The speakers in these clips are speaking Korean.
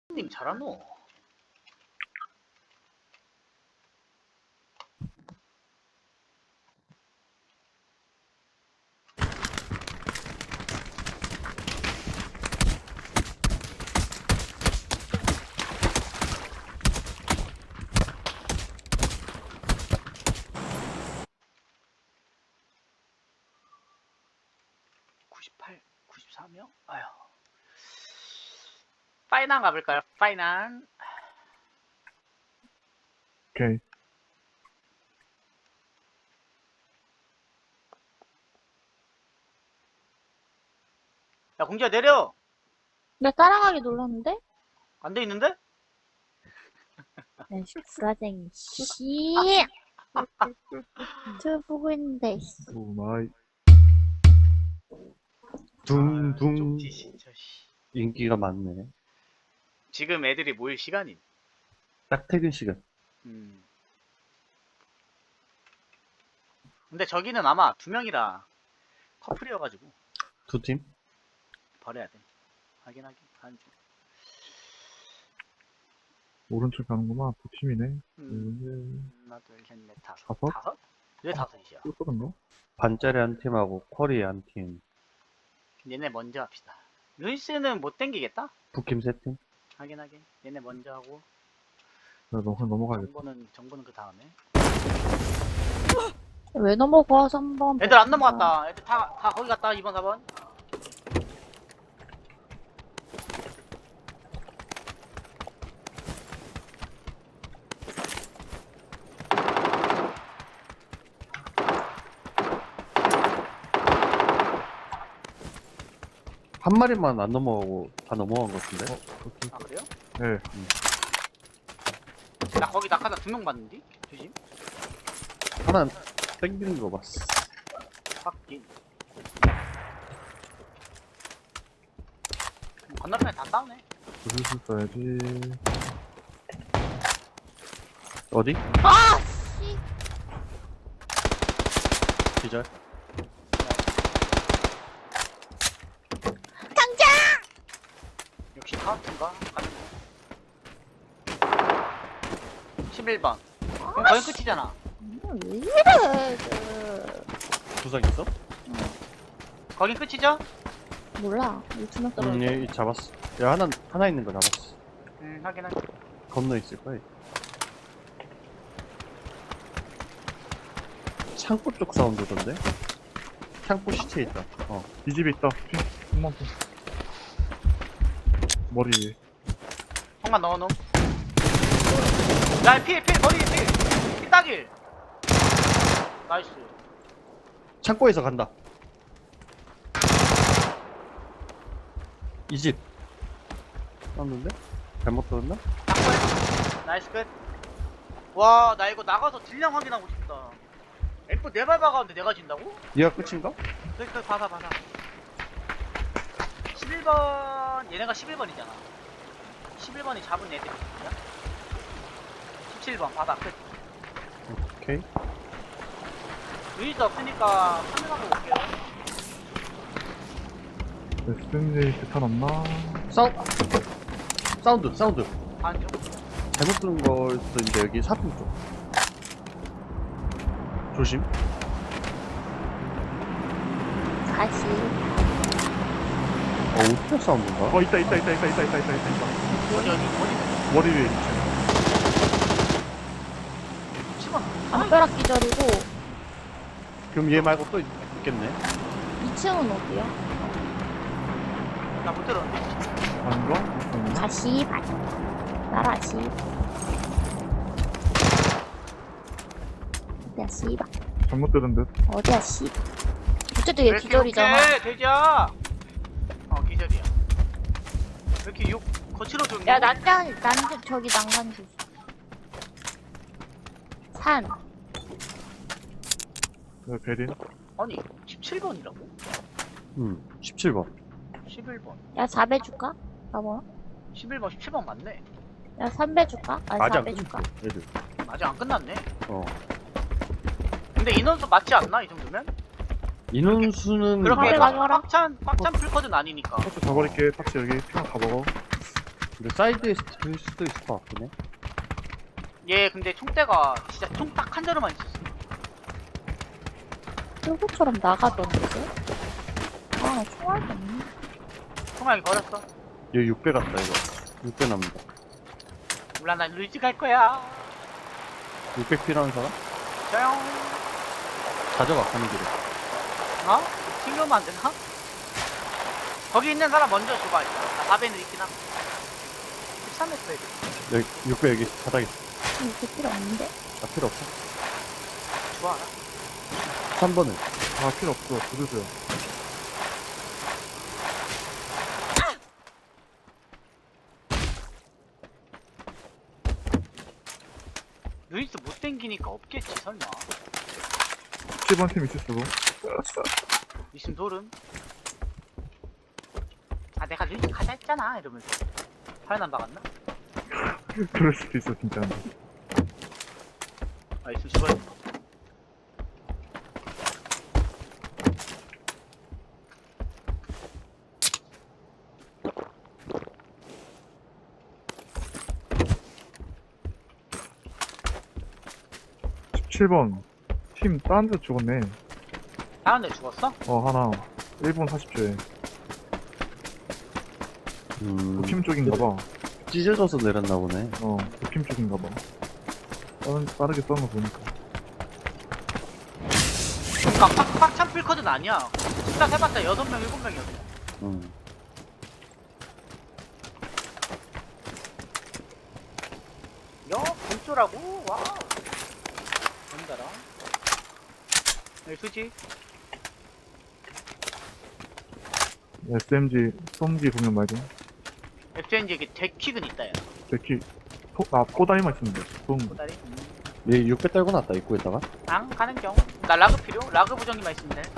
님 잘하노? (98) 94명? 아휴. 파이난 가볼까요? 파이난. 오케이. 야 공주야 내려. 나 따라가기 눌렀는데? 안 돼 있는데? 네, 구라쟁이, 씨. 저 보고 있는데, 씨. 오 마이. 둥둥 쪽지 진짜 씨. 인기가 많네. 지금 애들이 모일 시간임. 딱 퇴근 시간. 근데 저기는 아마 2명이라 커플이어가지고 두 팀? 버려야 돼. 확인하긴 하는 중. 오른쪽 가는구만. 두 팀이네. 하나 둘셋넷 다섯. 다섯? 다섯? 왜 다섯이야? 또 쏘는가? 반짜리 한 팀하고 쿼리 한 팀. 얘네 먼저 합시다. 루이스는 못 땡기겠다? 북팀 세 팀? 확인하긴. 얘네 먼저 하고 넘어가야겠다. 정보는 그 다음에. 왜 넘어가, 3번. 애들 안 넘어갔다. 애들 다 거기 갔다. 2번 4번. 한 마리만 안 넘어가고 다 넘어간 것 같은데? 오케이. 아 그래요? 네. 나 거기 낙하산 2명 봤는데? 조심. 하나 땡기는 거 봤어. 확인. 건너편에 다 싸우네. 슬슬 써야지. 어디? 아, 씨. 기절? 당장! 역시 카운트인가? 가는 거. 11번. 그럼 거의 끝이잖아. 왜 이래, 그. 부상 있어? 거긴 끝이죠? 몰라. 이 2명 떨어져. 얘 잡았어. 야, 하나 있는 거 잡았어. 확인할게. 건너 있을 거야. 창고 쪽 사운드던데? 창고 시체 있다. 이 집에 있다. 핑. 한번 더. 머리 위에. 형만 넣어놓음. 야, 필, 머리 필. 필 따길. 나이스. 창고에서 간다. 이 집. 쐈는데? 잘못 들었나? 낙골. 나이스 끝. 와, 나 이거 나가서 딜량 확인하고 싶다. F 4발 박았는데 내가 진다고? 얘가 끝인가? 그, 봐봐. 11번, 얘네가 11번이잖아. 11번이 잡은 애들이 누구야? 17번, 바다 끝. 오케이. 루이스 없으니까 카메라로 볼게요. SMJ 대탄 없나? 사운드. 반중. 잘못 들은 걸 수도 있는데 여기 사품 쪽. 조심. 다시. 우표 사운드인가? 있다. 어디. 머리 위에. 10번. 담벼락 기절이고, 그럼 얘 말고 또 있겠네. 2층은 어디야? 나 못 들었는데. 아닌가? 다시, 나라시. 어디야, 씨발. 잘못 들은 듯. 어디야, 씨. 어쨌든 얘 기절이잖아. 오케이, 돼지야. 기절이야. 왜 이렇게 욕 거칠어 줬니? 야, 저기 난간 주. 산. 네, 베린. 아니, 17번이라고? 17번. 11번. 야, 4배 줄까? 봐봐. 11번, 17번 맞네. 야, 3배 줄까? 아니, 아직 안 4배 줄까? 끝났어, 얘들. 아직 안 끝났네. 어. 근데 인원수 맞지 않나, 이 정도면? 인원수는 그렇게 가져가라. 꽉찬 풀커드는 아니니까. 타치 다 버릴게. 타치 여기 핑 다 먹어. 근데 사이드에 들 수도 있을 것 같긴 해. 얘 근데 총대가 진짜 총 딱 한 자루만 있었어. 쫄보처럼 나가던데? 아, 나 총알이 없네. 총알이 버렸어. 얘 6배 같다, 이거. 6배 남는다. 몰라, 난 루이지 갈 거야. 600 필요한 사람? 저용. 가져가, 가는 길에. 어? 튕겨오면 안 되나? 거기 있는 사람 먼저 줘봐. 나 4배는 있긴 함. 13m 해야 돼. 여기, 6배 여기 바닥에. 이렇게 필요 없는데? 아, 필요 없어. 좋아. 3번은. 아, 필요 없어. 부르세요. 루이스 못 땡기니까 없겠지, 설마. 7번 팀 있을 수도. 있음 소름. 아, 내가 루이스 가자 했잖아. 이러면서. 화연 안 박았나? 그럴 수도 있어, 진짜. 아, 있음 죽어요. 칠 번 팀 딴 데 죽었네. 다른 데 죽었어? 하나. 1분 40초에. 도팀 쪽인가 봐. 찢어져서 내렸나 보네. 도팀 쪽인가 봐. 빠르게 쏘는 거 보니까. 그니까 빡찬 필커드는 아니야. 진짜 해봤자 6명, 7명이었어. 야, 본조라고? 와우. 뭔다라? 여기 수지? SMG, 솜기 보면 말이야. FNG에게 데킥은 있다, 야. 데키, 코다리만 있으면 돼. 꼬다리? 얘 6배 떨고 났다, 입구에다가. 앙, 가는 경. 나 라그 필요? 라그 부정기만 있으면 돼.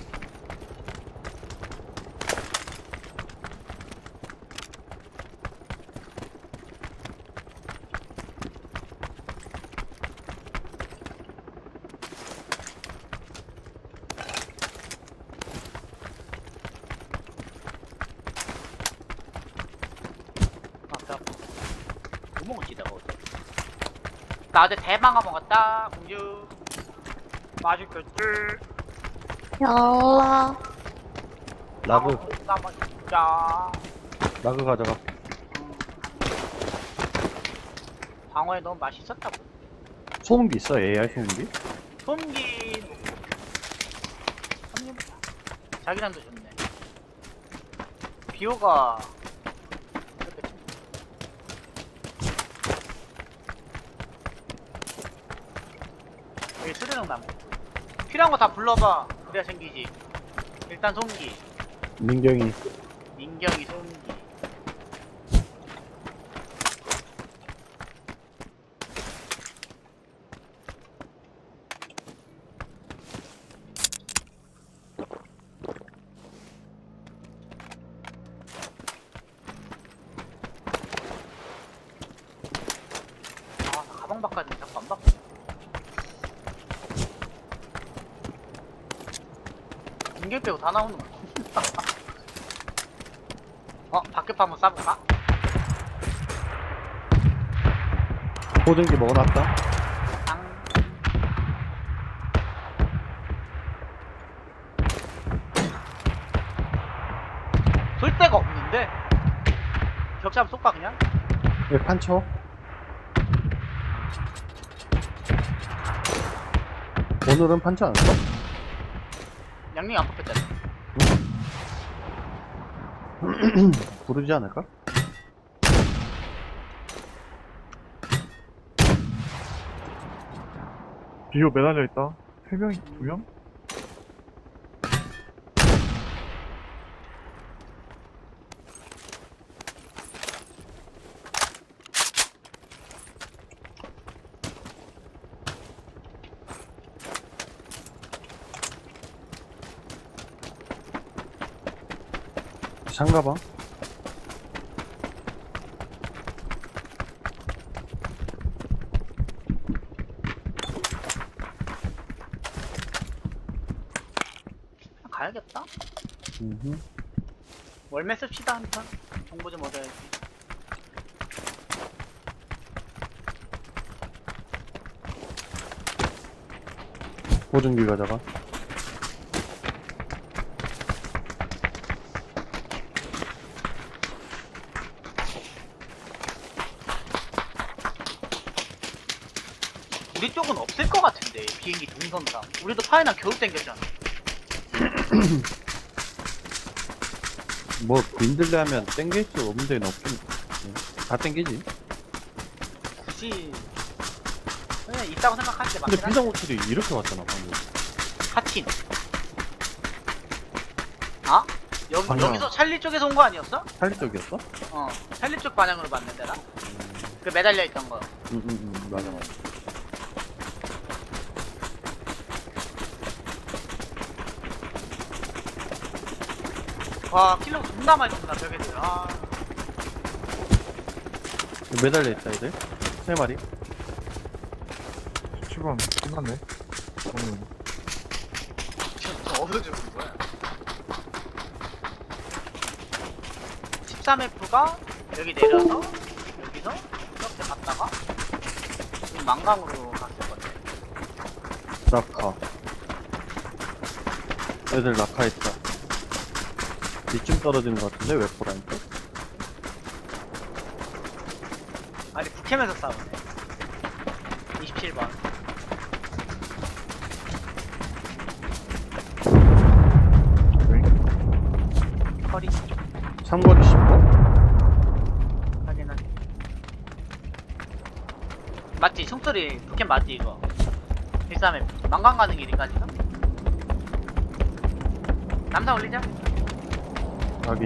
아, 배 아파. 뭐 먹었지, 내가 어제? 나 어제 대망아 먹었다, 공주. 맛있겠지? 열라. 라그, 나 맛있자. 라그 가져가. 방어에 너무 맛있었다고. 소음기 있어, AI 소음기? 소음기 한입 자기랑도 좋네. 비오가 그렇겠지. 여기 수르륵 나무. 필요한 거 다 불러봐. 그래야 생기지. 일단 소음기, 민경이. 민경이 소음기. 아, 나 가방 바꿔야 자꾸 안 바꿔. 인계 빼고 다 나오는 거. 밖에 한번 쏴볼까? 보증기 먹어놨다. 당. 쏠 데가 없는데? 격자 한번 쏠까 그냥? 얘 판쳐. 오늘은 판쳐 안 써? 양념이 안 뽑혔잖아. 부르지 않을까? 비호 매달려 있다. 3명, 2명? 상가방? 가야겠다. 음흠. 월매 씁시다 한판. 정보 좀 얻어야지. 보증기 가져가. 우리 쪽은 없을 것 같은데 비행기 동선상. 우리도 파이난 겨우 땡겼잖아. 뭐 민들레 하면 땡길 수 없는 데는 없긴. 다 땡기지. 굳이 그냥 있다고 생각하는 게 근데 맞긴 한데. 비상호출이 이렇게 왔잖아 방금. 하틴. 아? 아니야. 여기서 찰리 쪽에서 온 거 아니었어? 살리 쪽이었어? 어, 찰리 쪽 방향으로 봤는데 나. 그 매달려 있던 거. 맞아 맞아. 와, 킬러 존나 많이 쏜다 저기들. 아, 매달려 있다 애들. 3마리. 7번 끝났네. 지금 저 어디서 죽은 거야? 13F가 여기 내려서 여기서 이렇게 갔다가 지금 망강으로 갔을 건데. 낙하. 애들 낙하했다. 이쯤 떨어지는 것 같은데 웨포라니까. 아니 북캠에서 싸우네. 27번. 허리 삼거리 10번? 확인한. 맞지? 총소리 북캠 맞지 이거? 13F 망강 가는 길인가지가? 남사 올리자. 확인.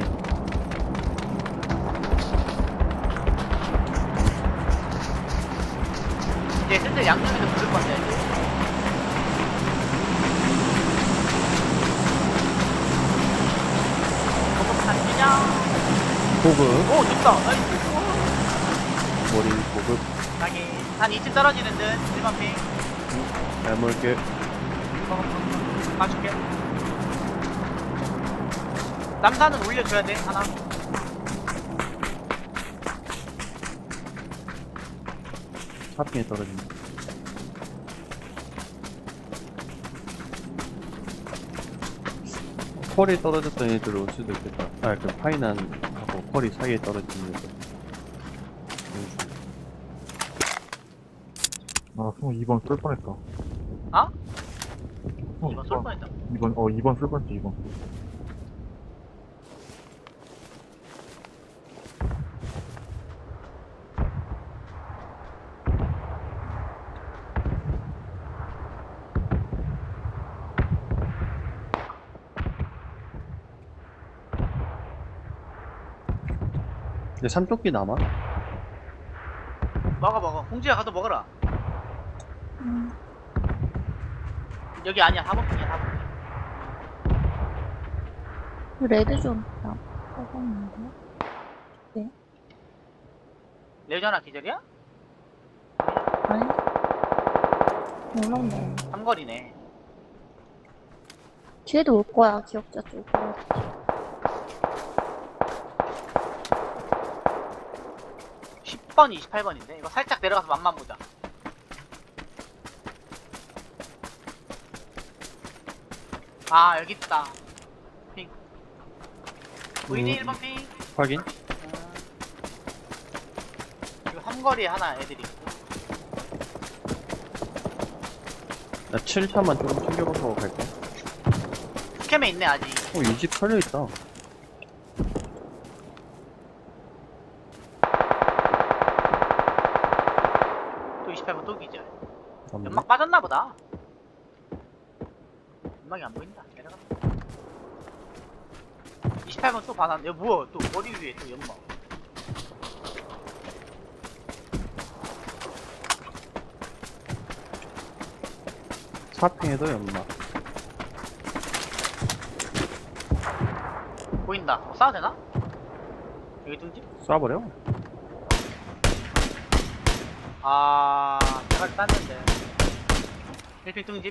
이제 슬슬 양쪽에서 부를 건데. 고급 단지냐? 보급. 오, 좋다. 나이스. 머리 보급. 여기 한 2층 떨어지는 듯. 1번 핑. 잘 먹을게. 봐줄게. 남산은 올려줘야 돼, 하나. 하핑에 떨어진다. 펄이 떨어졌던 애들 올 수도 있겠다. 아, 그 파이난하고 펄이 사이에 떨어지는 애들. 아, 2번 쏠 뻔했다. 아? 이거 쏠 뻔했다. 2번 쏠 뻔했지, 2번. 근데 삼토끼 남아? 먹어. 홍지야 가서 먹어라. 음. 여기 아니야, 4번 핑이야, 4번 핑. 레드존 나 뽑았는데. 레전아 기절이야? 아니? 올라온다. 삼거리네. 뒤에도 올 거야, 기억자 쪽으로. 10번, 28번인데? 이거 살짝 내려가서 맛만 보자. 아, 여기 있다. 핑. 보이니, 1번 핑? 확인? 이거 삼거리에 하나 애들이 있고. 나 7차만 조금 챙겨보고 갈게. 스캠에 있네, 아직. 이 집 털려있다. 또 28번 또 기절. 없네. 연막 빠졌나 보다. 연막이 안 보인다. 내려가. 28번 또 반환. 야, 뭐야? 또 머리 위에 또 연막. 사핑에도 연막. 보인다. 쏴도 되나? 여기 둥지? 쏴버려? 아, 내가 땄는데. 1핑 둥집.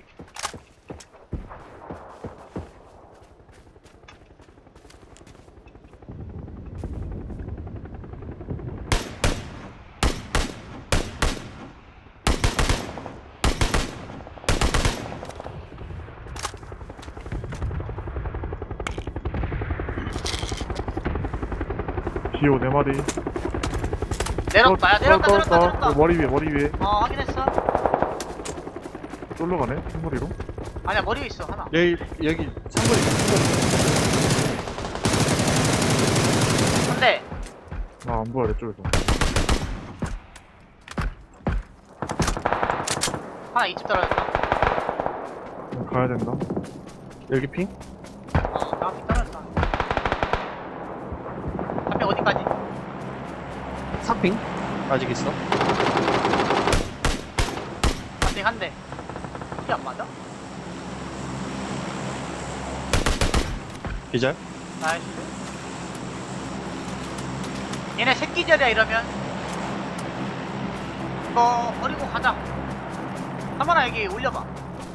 디오 4마리. 내렸다. 야, 내렸다. 머리 위에. 확인했어. 쫄러 가네? 흰머리로? 아니야, 머리에 있어, 하나. 여기 상거리. 한 대. 아, 안 보여, 내 쪽에서. 하나 2집 떨어졌다. 가야 된다. 여기 핑? 나한테 떨어졌다. 한 명 어디까지? 3핑? 아직 있어? 한 대. 이게 안 맞아? 기절? 나이스. 얘네 새끼절이야 이러면. 이거 버리고 가자. 한번아 여기 올려봐.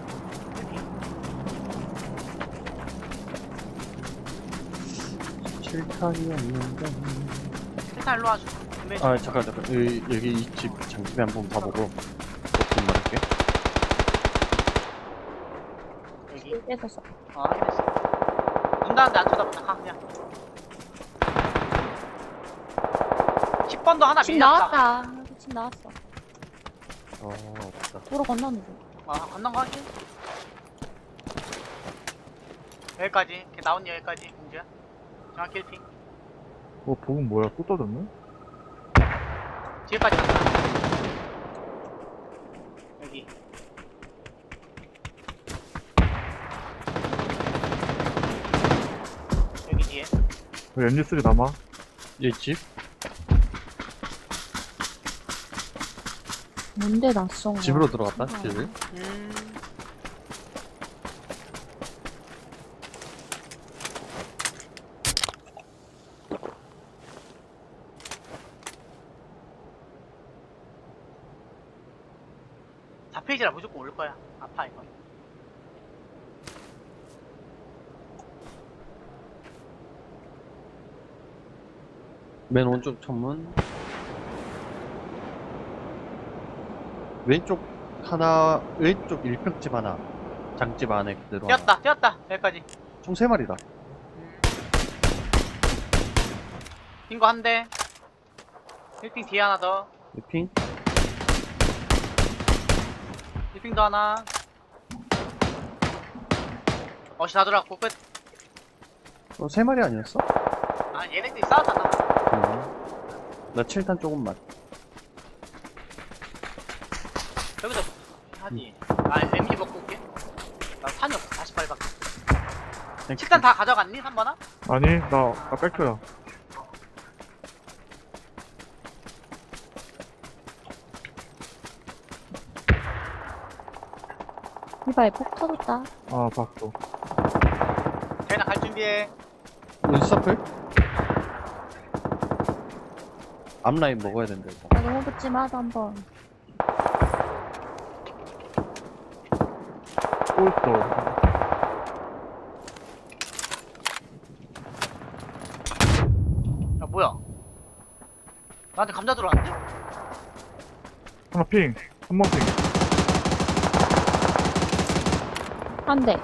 칠탄이 없는데. 일단 일로 와줘. 아, 잠깐. 여기 이 집 장집에 한번 봐보고. 좀 말할게. 여기. 깨졌어. 확인했어. 문 닫는데 안 쳐다본다. 가 그냥. 10번도 하나 집 밀렸다. 나왔다. 집 나왔어. 없다. 도로 건너는 중. 건넌 거 할게. 여기까지. 이렇게 나온 여기까지. 공주야. 정확히 1핑. 복은 뭐야? 또 떠졌네? 뒤에까지 갔다. 여기. 여기 뒤에. 여기 MG3 남아? 이 집? 뭔데 낯선 거야? 집으로 들어갔다, 집을. 페이지라 무조건 올 거야. 아파 이거. 맨 오른쪽 천문. 왼쪽 하나, 왼쪽 1평집 하나. 장집 안에 그대로 하나. 뛰었다. 여기까지. 총 3마리다. 핑거 한 대. 1핑 뒤에 하나 더. 이 핑? 1핑 더 하나. 어시 다 들어갔고 끝. 3마리 아니었어? 아 얘네들이 싸웠잖아. 나 7탄 조금만. 여기서 하지. MG 먹고 올게. 나 탄이 없어. 48밖에. 칠단 다 가져갔니? 3번아? 아니, 나 백터야. 이봐에 폭 터졌다. 아, 봤어. 걔나 갈 준비해. 우리 서플? 앞라인 먹어야 된다, 일단. 나 너무 붙지 마도 한번. 또 있어. 야 뭐야? 나한테 감자 들어왔는데? 하나 핑. 한 번 핑. 한 대.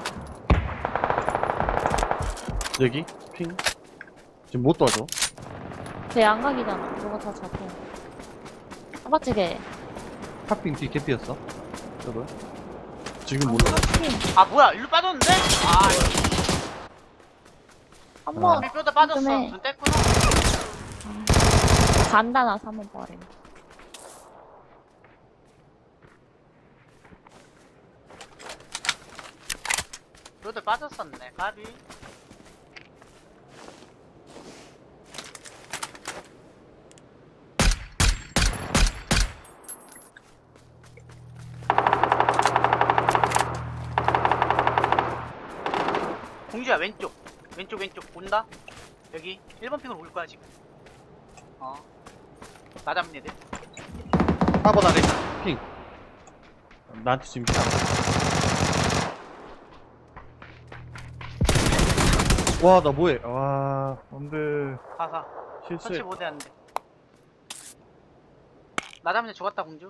여기? 핑? 지금 못 도와줘. 제 양각이잖아. 그거 다 잡혀. 맞지 걔? 탑핑 뒤 개피였어. 저거. 지금 못 도와줘. 아 뭐야? 일로 빠졌는데? 한번 뼈다 빠졌어. 좀 해. 눈 뗐구나. 간단하서 한번 버려. 뼈도 빠졌었네. 까비. 공주야 왼쪽 온다. 여기 1번 핑으로 올 거야 지금. 나 잡는 애들. 4번 아래 핑. 나한테 지금 핑. 와, 나 뭐해? 와, 안 돼. 가사. 실수. 터치 못해 하는데. 나 잡는 애 죽었다 공주.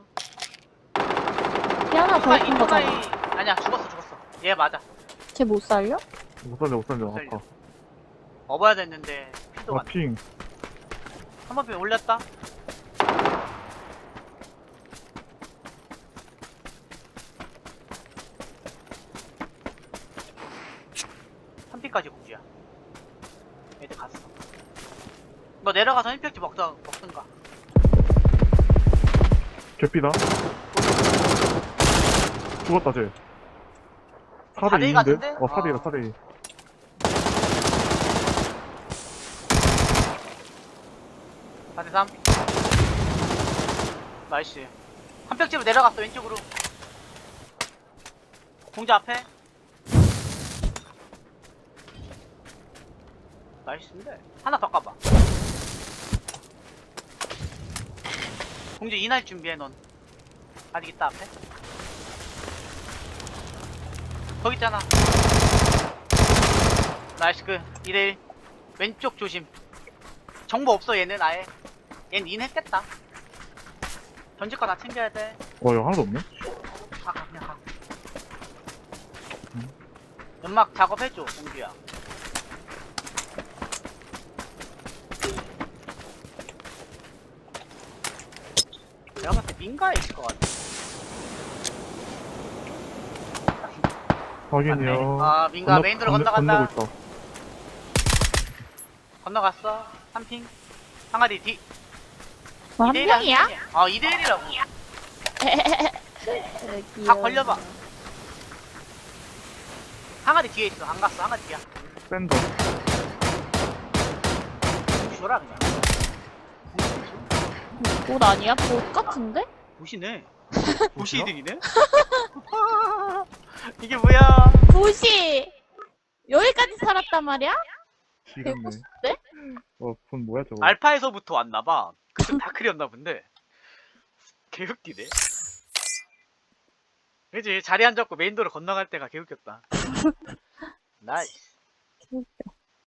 피 하나 더 있는 인터나이 거잖아. 아니야 죽었어. 얘 맞아. 쟤 못 살려? 못 살려. 못 살려. 아까. 업어야 됐는데 피도 아, 안 돼. 핑. 3번 핀 올렸다. 한 핀까지 공주야. 애들 갔어. 너 내려가서 임팩트 먹든가. 개피다. 죽었다, 쟤. 4대 4대2 2인데? 같은데? 4대2다, 4대2. 사 대 3. 나이스. 한 벽집으로 내려갔어, 왼쪽으로. 공주 앞에. 나이스인데. 하나 더 까봐. 공주 인할 준비해, 넌. 아직 있다, 앞에. 거기 있잖아. 나이스, 2대1. 왼쪽 조심. 정보 없어, 얘는 아예. 얜 인했겠다. 던질 거 다 챙겨야 돼. 여기 하나도 없네? 가, 그냥 가. 연막 작업해줘, 공주야. 내가 봤을 때 민가에 있을 것 같아. 확인이요. 아, 민가 메인도로 건너간다. 건너고 있다. 건너갔어. 3핑. 항아리 뒤. 뭐, 한 명이야? 2대1이라고. 다 걸려봐. 항아리 뒤에 있어. 안 갔어. 항아리 뒤야. 샌더. 줘라, 그냥. 옷 아니야? 옷 같은데? 보시네. 보시 이득이네? 이게 뭐야? 도시! 여기까지 살았단 말이야? 지렸네. 개코스인데? 폰 뭐야, 저거. 알파에서부터 왔나봐. 그때 다크리였나 본데. 개웃기네. 그지? 자리 앉았고 메인도로 건너갈 때가 개웃겼다. 나이스. 웃겨.